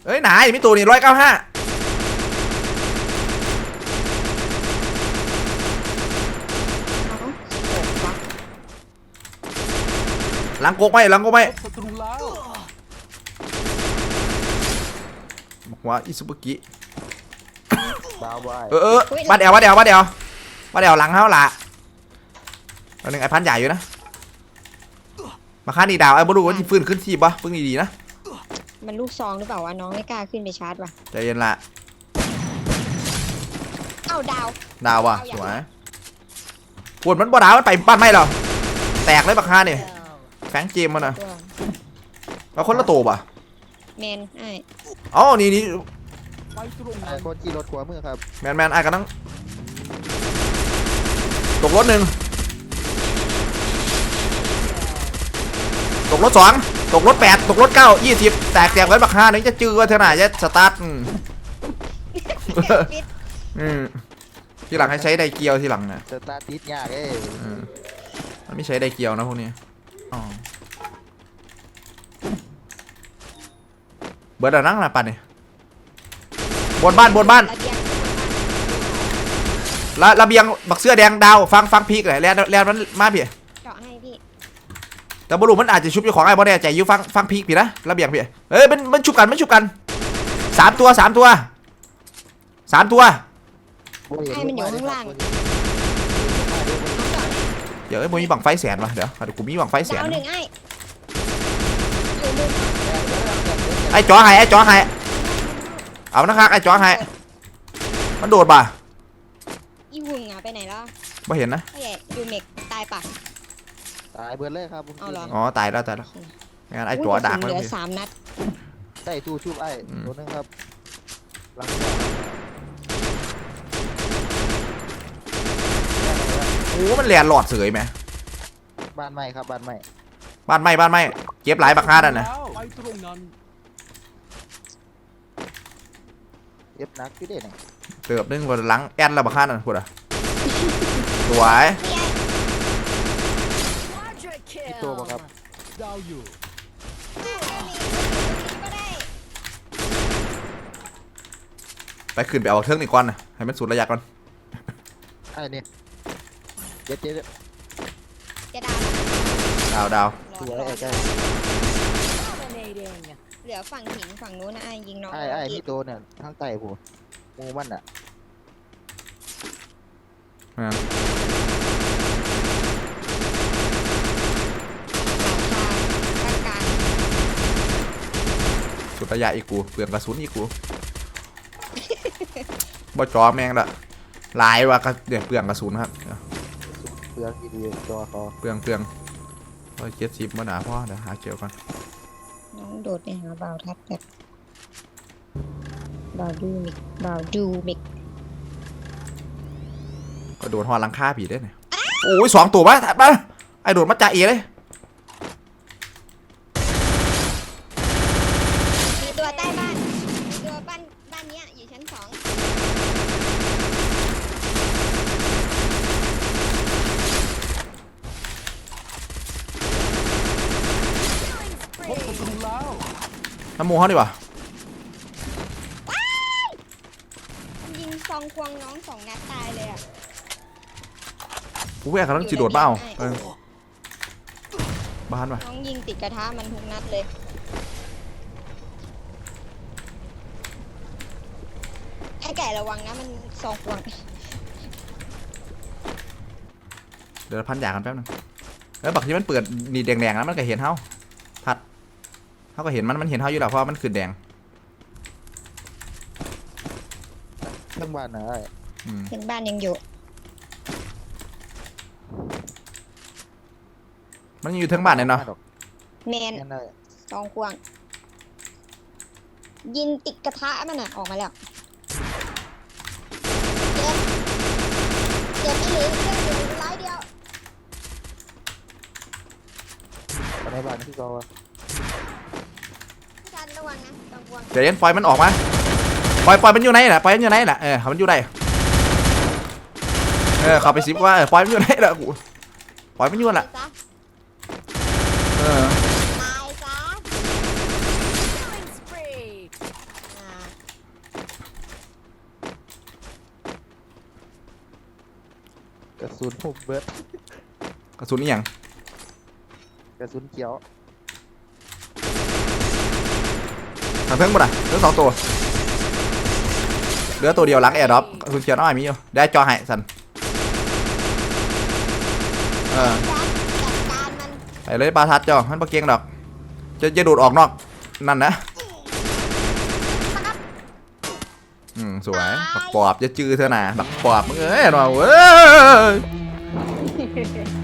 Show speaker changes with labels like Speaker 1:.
Speaker 1: เอ้ยหนาไม่ตัวนี่195หลังโกกไหมหลังโกกไหม
Speaker 2: ศัตรูแล้ว
Speaker 1: หัวอิซุบุกิ
Speaker 3: ดาวไว้
Speaker 1: บ้านเดียวหลังเท่าละตอนนึงไอ้พันใหญ่อยู่นะมาฆ่านี่ดาวไอ้บรูว่าที่ฟื้นขึ้นทีปะพึ่งดีๆนะ
Speaker 4: มันลูกซองหรือเปล่าวะน้องไม่กล้าขึ้นไปชาร์จว่ะ
Speaker 1: ใจเย็นละ
Speaker 4: เอ้าดาว
Speaker 1: ว่ะสวยปวดมันบ่ดาวมันไปบ้านไม่หรอแตกเลยบักฮาเนี่ยแฟงเจมมันนะแล้วคนละตัวป่ะ
Speaker 4: แมนไอ้
Speaker 1: อ๋อนี่
Speaker 2: ไปตรงนั้
Speaker 3: ไอ้
Speaker 2: น
Speaker 3: คนขี่รถขวามือครับ
Speaker 1: แมนไอ้กันต้องตกรถ1ตกรถ2ตกรถ8ตกรถ9 20แตกไว้บักฮานึงจะจื้อว่าเท่าไหร่จะสตาร์ททีหลังให้ใช้ไดเกียวทีหลังนะ
Speaker 3: สตาร์ทติดยาก
Speaker 1: มันไม่ใช้ไดเกียวนะพวกนี้เบิร์ดนั่งนะปันเนี่ยบนบ้านระเบียงบักเสื้อแดงดาวฟังพีกเลยแลนมันมาพี่
Speaker 4: เจาะให้พี่
Speaker 1: แต่บอลลูมันอาจจะชุบอยู่ของไอ้บอลแน่ใจอยู่ฟังพีกพี่นะระเบียงพี่เอ้ยมันชุบกัน3 ตัว
Speaker 4: ให้มันอยู่ข้างล่าง
Speaker 1: เดี๋ยวมึงมีบังไฟแสนวะเดี๋ยวกูมีบังไฟแสนไอ้จ่อให้เอานะครับไอ้จ่อให้มันโดดป่ะ
Speaker 4: อีหุ่งไปไหนแล้ว
Speaker 1: ไม่เห็นนะ
Speaker 4: ยูเมกตายปะ
Speaker 3: ตายเบิร์ดเลยครับ
Speaker 1: อ๋อตายแล้วงั้นไอ้จ่อดัก
Speaker 4: เหลือ3 นัด
Speaker 3: ได้ตู้ชุบไอ้ตัวนึงครับหลัง
Speaker 1: โอ้มันแหลนหลอดเสยไหม
Speaker 3: บ้านใหม่ครับบ้านใหม่
Speaker 1: เก็บหลายบักฮาดันนะ
Speaker 2: ไปตรงนั้น
Speaker 3: เย็บนักพี่เด่น
Speaker 1: เติบนึงบนหลังแอนแล้วบักฮาดันพูดอ่ะสวย
Speaker 3: พี่โตป่ะครับ
Speaker 2: ดาวอยู่
Speaker 1: ไปขึ้นไปเอาเครื่องนี่ก่อนนะให้มันสุดระยะก่อน
Speaker 3: ไอ้เนี่ยเจ็ด
Speaker 1: ดาว
Speaker 3: สวยไอ้ใกล้
Speaker 4: เหลือฝั่งหินฝั่งนู้นนะยิงน้อง
Speaker 3: ไอ้พี่โตเนี่ยทางใต้ผมมูมันอ่ะ
Speaker 1: สุดระยะอีกกูเปลืองกระสุนอีกกูบ่จอแมงละลายว่ะเดี๋ยวเปลืองกระสุนครับ
Speaker 3: เปลืองดีๆจอคอ
Speaker 1: เปลือง170มาหนาพ่อเดี๋ยวหาเกี่ยวก่อน
Speaker 4: น้องโดดไปหาบ่าวทัดแบบบ่าวดูมิก
Speaker 1: ก็โดดหอลังค่าผีได้เนี่ยโอ้ย2 ตัวป่ะไอโดดมาจ่าเอเลย
Speaker 4: มีตัวใต้บ้านตัวบ้านนี้อยู่ชั้น2
Speaker 1: น้ำมูเขาดีกว่า
Speaker 4: ยิงซองควงน้อง2 นัดตายเลยอ่ะ
Speaker 1: กูแย่เขาต้องจีโดดเปล่าบ้านว่ะ
Speaker 4: น้องยิงติดกระทะมันทุกนัดเลยไอ้ไก่ระวังนะมันซองควง
Speaker 1: เดี๋ยวพันยากันแป๊บนึงแล้วบักที่มันเปิดนี่แดงๆนะมันก็เห็นเฮาพัดเขาก็เห็นมันเห็นเฮาอยู่แล้วเพราะมันคือแดง
Speaker 3: ทั้งบ้านนะ
Speaker 4: ถึงบ้านยังอยู่
Speaker 1: มันอยู่ทั้งบ้านเลยเนาะ
Speaker 4: แมนซองควงยิงติดกระทะมันอ่ะออกมาแล้วเจ็บไปเลยเจ็บอยู่ร้อยเดียว
Speaker 3: ในบ้านที่เขา
Speaker 4: ระวังนะซองควง
Speaker 1: เดี๋ยวปล่อยมันออกมาปล่อยมันอยู่ไหนล่ะมันอยู่ไหนล่ะมันอยู่ไหนเข้าไปซิปว่าปล่อยมันอยู่ไหนล่ะกูปล่อยมันอยู่ล่ะ
Speaker 4: ตายซะ
Speaker 3: กระสุนผมเบิร์ด
Speaker 1: กระสุนนี่ยัง
Speaker 3: กระสุนเขียว
Speaker 1: ทางเพิ่งหมดอ่ะเหลือ2 ตัวเหลือตัวเดียวหลังแอร์ดรอปกระสุนเขียวน้อยมีอยู่ได้จอให้สัน
Speaker 4: จัดการมัน
Speaker 1: ไปเลยปลาทัดจอมันปลาเกียงดอกจะดูดออกนอกนั่นนะสวยบักปอบจะจื้อเธอหนาบักปอบมึงเอ้ยเราเว้ย